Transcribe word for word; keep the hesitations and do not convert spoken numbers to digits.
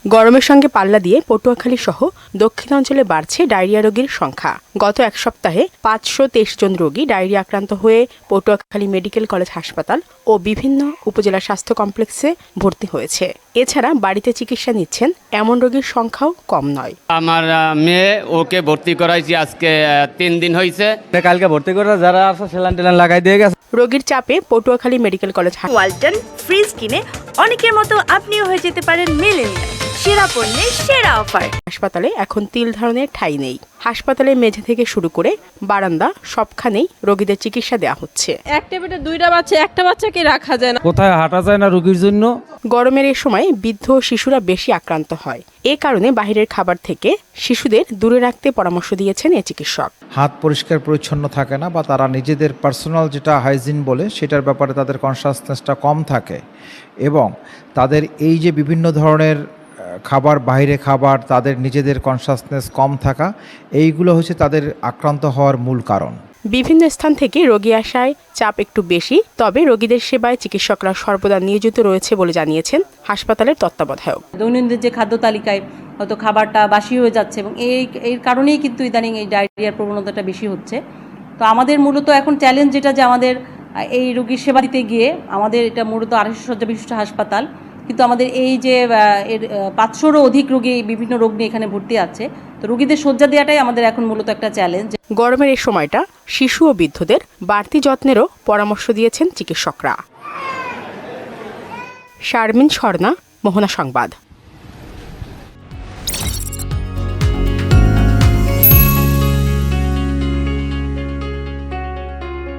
গরমের সঙ্গে পাল্লা দিয়ে পটুয়াখালী সহ দক্ষিণাঞ্চলে বাড়ছে ডায়রিয়া রোগীর সংখ্যা। গত এক সপ্তাহে পাঁচশো তেইশ জন রোগী ডায়রিয়া আক্রান্ত হয়ে পটুয়াখালী মেডিকেল কলেজ হাসপাতাল ও বিভিন্ন উপজেলা স্বাস্থ্য কমপ্লেক্সে ভর্তি হয়েছে। এছাড়া বাড়িতে চিকিৎসা নিচ্ছেন এমন রোগীর সংখ্যাও কম নয়। আমার মেয়ে ওকে ভর্তি করাইছি আজকে তিন দিন হয়েছে। কালকে ভর্তি করে যারা আছে সেলান টেলান লাগাই দিয়ে গেছে। রোগীর চাপে Patuakhali medical college Walton fridge কিনে অনেকের মতো আপনিও হয়ে যেতে পারেন মিলেনিয়াল। সেরা পণ্যের সেরা অফার। হাসপাতালে এখন তিল ধারণের ঠাঁই নেই। হাসপাতালে মেঝে থেকে শুরু করে বারান্দা সবখানেই রোগীদের চিকিৎসা দেওয়া হচ্ছে। এক টেবিলে দুইটা বাচ্চা, একটা বাচ্চাকে রাখা যায় না। কোথায় হাঁটা যায় না রোগীর জন্য। গরমের এই সময় বৃদ্ধ শিশুরা বেশি আক্রান্ত হয়। এ কারণে বাহিরের খাবার থেকে শিশুদের দূরে রাখতে পরামর্শ দিয়েছেন এ চিকিৎসক। হাত পরিষ্কার পরিচ্ছন্ন থাকে না বা তারা নিজেদের পার্সোনাল যেটা হাইজিন বলে সেটার ব্যাপারে তাদের কনসাসনেসটা কম থাকে এবং তাদের এই যে বিভিন্ন ধরনের খাবার, বাইরে খাবার, তাদের নিজেদের কনসাসনেস কম থাকা, এইগুলো হচ্ছে তাদের আক্রান্ত হওয়ার মূল কারণ। বিভিন্ন স্থান থেকে রোগী আসায় চাপ একটু বেশি, তবে রোগীদের সেবায় চিকিৎসকরা সর্বদা নিয়োজিত রয়েছে বলে জানিয়েছেন হাসপাতালের তত্ত্বাবধায়ক। দৈনন্দিন যে খাদ্য তালিকায় হয়তো খাবারটা বাসি হয়ে যাচ্ছে এবং এই এর কারণেই কিন্তু ইদানিং এই ডায়রিয়ার প্রবণতাটা বেশি হচ্ছে। তো আমাদের মূলত এখন চ্যালেঞ্জ যেটা যে আমাদের এই রোগীর সেবা দিতে গিয়ে আমাদের এটা মূলত আড়াইশো শয্যা বিশিষ্ট হাসপাতাল, কিন্তু আমাদের এই যে এর পাঁচশোরও অধিক রোগী বিভিন্ন রোগ নিয়ে এখানে ভর্তি আছে। তো রোগীদের শয্যা দেওয়াটাই আমাদের এখন মূলত একটা চ্যালেঞ্জ। গরমের এই সময়টা শিশু ও বৃদ্ধদের বাড়তি যত্নেরও পরামর্শ দিয়েছেন চিকিৎসকরা। শারমিন স্বর্ণা, মোহনা সংবাদ।